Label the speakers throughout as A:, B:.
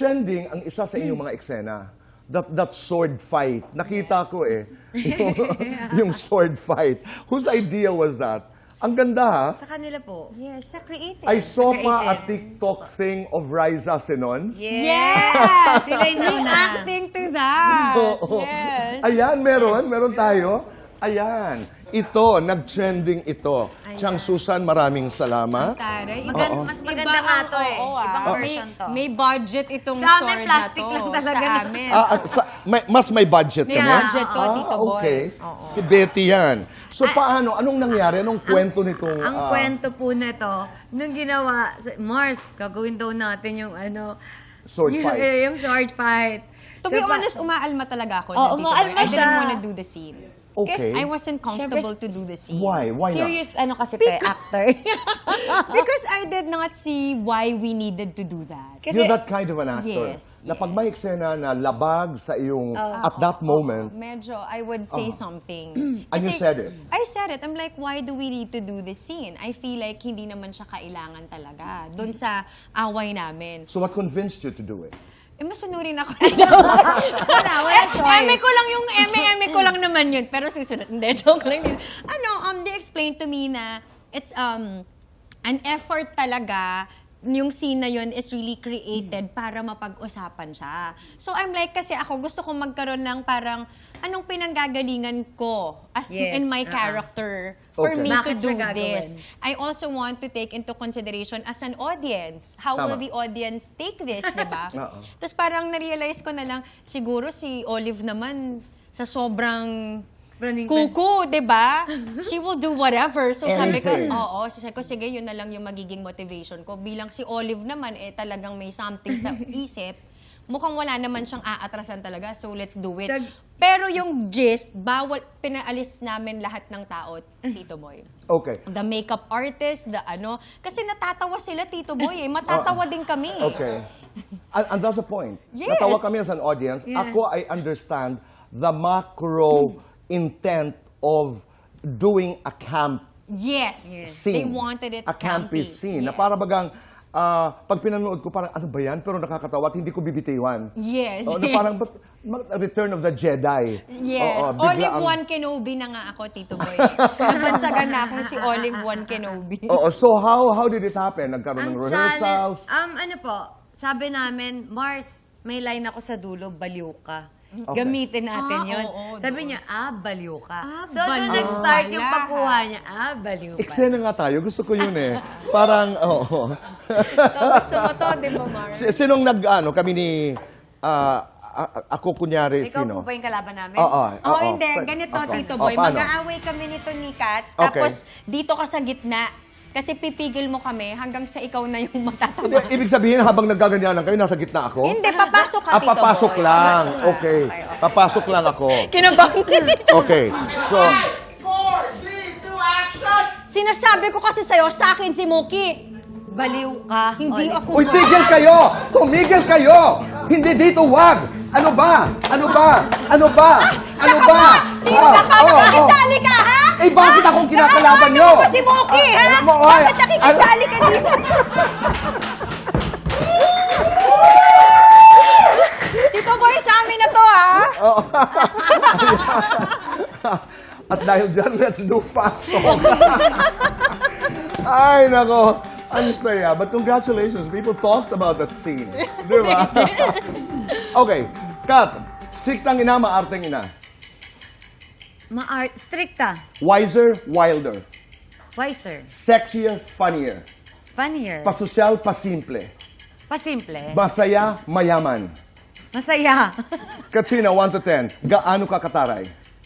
A: nag-trending ang isa sa inyong mga eksena. That sword fight. Nakita ko yung sword fight. Whose idea was that? Ang ganda ha.
B: Sa kanila po.
C: Yes, sa creative.
A: I saw pa a TikTok thing of Riza Senon.
C: Yes!
B: Sila yung
C: Yung
B: nauna.
C: acting to that.
A: Oo.
C: Yes.
A: Ayan, meron tayo. Ayan. Ito, nag-trending ito. Chang Susan, maraming salamat.
C: Taray.
A: Oo.
B: Mas maganda nga to eh. Ibang version to.
C: May budget itong
B: Sa amin,
C: sword
B: plastic
C: na to.
B: lang talaga
C: Sa
B: na.
C: amin.
A: Mas may budget
C: May
A: kami?
C: budget to, Tito Boy.
A: Okay.
C: Oo.
A: Si Betty yan. So paano? Anong nangyari? Anong kwento nitong...
B: Ang kwento po na to, nung ginawa, Mars, gagawin daw natin yung
A: Sword fight.
B: Yung sword fight.
C: To be honest, umaalma talaga ako.
B: Oo,
C: na, Tito Boy.
B: umaalma
C: I didn't
B: siya.
C: wanna do the scene.
A: Okay.
C: I wasn't comfortable to do the scene.
A: Why? Why not?
B: Serious kasi actor.
C: Because I did not see why we needed to do that.
A: You're that kind of an actor.
C: Yes,
A: Na pag may eksena na labag sa iyong at that moment,
C: Medyo, I would say something.
A: and you said it.
C: I said it. I'm like, why do we need to do this scene? I feel like hindi naman siya kailangan talaga. Doon sa away namin.
A: So what convinced you to do it?
C: Masunurin ako.
B: wala choice.
C: Eme ko lang yung eme ko lang naman yun. Pero susunod, hindi, joke lang yun. They explained to me na it's an effort talaga. Yung scene na yun is really created para mapag-usapan siya. So I'm like, kasi ako gusto kong magkaroon ng parang, anong pinanggagalingan ko as
B: Yes.
C: in my character for
A: Okay.
C: me
B: Bakit
C: to do
B: siya gagawin?
C: this. I also want to take into consideration as an audience. How
A: Tama.
C: will the audience take this, di ba?
A: Oo.
C: Tapos parang na-realize ko na lang, siguro si Olive naman, sa sobrang kuku, di ba? She will do whatever. So sabi ko,
A: Anything.
C: sabi ko, sige, yun na lang yung magiging motivation ko. Bilang si Olive naman, talagang may something sa isip, mukhang wala naman siyang aatrasan talaga, so let's do it. Pero yung gist, bawal, pinaalis namin lahat ng tao, Tito Boy.
A: Okay.
C: The makeup artist, kasi natatawa sila, Tito Boy, matatawa din kami.
A: Okay. And that's the point.
C: Yes.
A: Natawa kami as an audience. Ako, I understand the macro intent of doing a camp
C: Yes.
A: scene.
C: They wanted it
A: a campy scene. Na
C: Yes.
A: para bagang, pag pinanood ko, parang ano ba yan? Pero nakakatawa at hindi ko bibitiwan.
C: Yes.
A: Na parang, Return of the Jedi.
C: Yes.
A: Oo, bigla
C: Olive
A: ang-
C: One Kenobi na nga ako, Tito Boy. Nabansagan na akong si Olive One Kenobi.
A: Oo, so how did it happen? Nagkaroon ng rehearsals?
B: Sabi namin, Mars, may line ako sa dulo, baliw ka.
A: Okay.
B: Gamitin natin yun.
C: oo,
B: Sabi niya, baliw ka. So,
C: baliw
B: doon nag-start yung
C: pala.
B: pagkuha niya, baliw ka.
A: Eksena nga tayo. Gusto ko yun eh. Parang, oo.
C: So, gusto mo to, di ba, Mar?
A: Sinong kami ni, ako kunyari,
B: Ikaw
A: sino?
B: po ba yung kalaban namin?
A: Oo.
C: Hindi. Ganito,
A: Okay.
C: Tito Boy.
A: Paano?
C: Mag-aaway kami nito ni Kat.
A: Okay.
C: Tapos, dito ka sa gitna. Kasi pipigil mo kami hanggang sa ikaw na yung
A: Hindi,
C: matatama.
A: ibig sabihin, habang naggaganyanan kayo, nasa gitna ako?
C: Hindi, papasok ka, Tito Boy.
A: papasok lang. Okay. Papasok lang ako.
C: Kinabahan ka dito.
A: Okay. So,
D: 4, 3, 2, action!
C: Sinasabi ko kasi sa'yo, sa akin si Mookie.
B: Baliw ka.
C: Hindi
B: Olive.
C: ako.
A: uy, tigil kayo! Tumigil kayo! Hindi dito, wag! Ano ba? Ano ba? Ano ba? Ano
C: Saka
A: ba?
C: Sino ka pa? Nakikisali ka, ha?
A: Eh, bakit akong kinakalaban
C: Ano
A: nyo?
C: ba si Mookie, ha?
A: Alam mo, oy,
C: Bakit nakikisali ka dito? Tito Boy, sa amin na to, ha?
A: At dahil dyan, let's do fast talk. Ay, nako. Ang saya. But congratulations. People talked about that scene. Di ba? Okay. Kat, striktang ina, maarteng ina.
B: Stricta.
A: Wiser, wilder.
B: Wiser.
A: Sexier, funnier.
B: Funnier.
A: Pasosyal, pasimple.
B: Pasimple.
A: Masaya, mayaman.
B: Masaya.
A: Katrina, 1 to 10. Gaano ka kataray?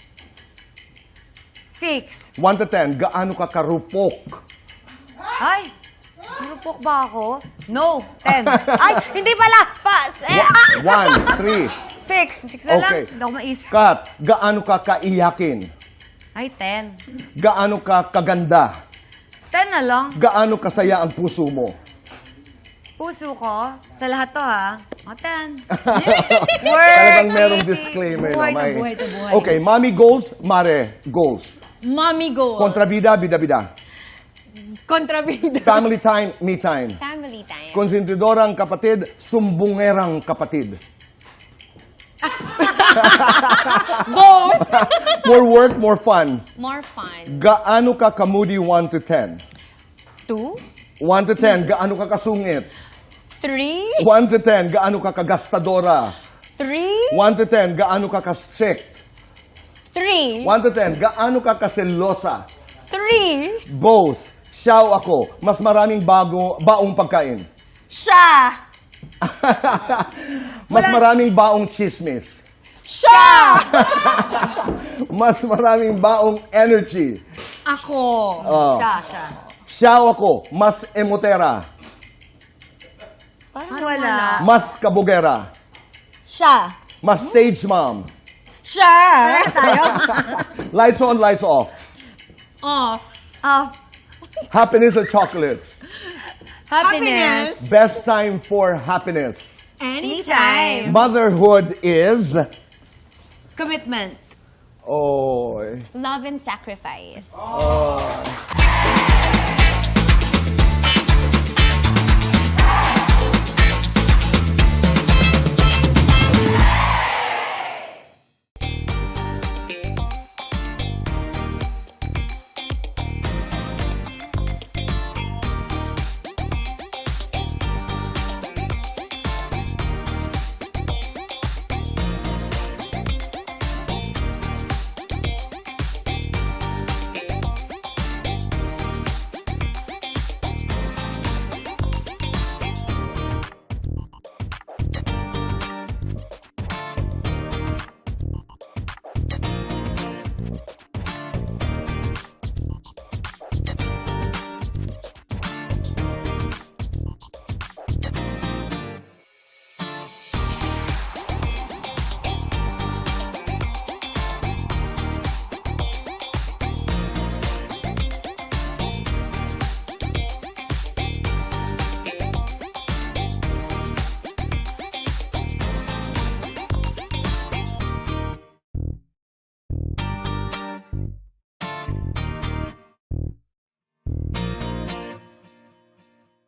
B: 6.
A: 1 to 10. Gaano ka karupok?
B: Ay! Marupok ba ako? No. 10. Ay! Hindi pala! Fast!
A: 1, 3.
B: 6. 6 na lang.
A: Okay.
B: Hindi ako maisip.
A: Kat, gaano ka kaiyakin?
B: Ay, 10.
A: Gaano ka kaganda?
B: 10 na lang.
A: Gaano kasaya ang puso mo?
B: Puso ko. Sa lahat to, ha? O, 10.
A: Talagang merong disclaimer.
B: Buhay
A: no?
B: na buhay to buhay.
A: Okay, mommy goals, mare goals.
C: Mommy goals.
A: Kontrabida, bida-bida.
C: Kontrabida.
A: Family time, me time.
C: Family time.
A: Konsentidorang kapatid, sumbungerang kapatid.
C: Both.
A: More work, more fun.
C: More fun.
A: Gaano ka kamudi 1 to 10?
C: 2,
A: 1 to 10, gaano ka kasungit?
C: 3,
A: 1 to 10, gaano ka kagastadora?
C: 3,
A: 1 to 10, gaano ka ka-strict?
C: 3,
A: 1 to 10, gaano ka kaselosa?
C: 3.
A: Both. Siyaw ako. Mas maraming baong pagkain.
C: Siya.
A: Mas maraming baong chismis.
C: Siya.
A: Mas maraming baong energy.
C: Ako.
B: Siya.
A: Siyaw ako. Mas emotera.
B: Parang wala.
A: Mas kabugera.
C: Siya.
A: Mas stage mom.
C: Siya.
B: Tayo?
A: Lights on, lights off.
C: Off.
A: Happiness or chocolates?
C: Happiness.
A: Best time for happiness.
C: Anytime.
A: Motherhood is...
B: Commitment.
A: Oh.
C: Love and sacrifice.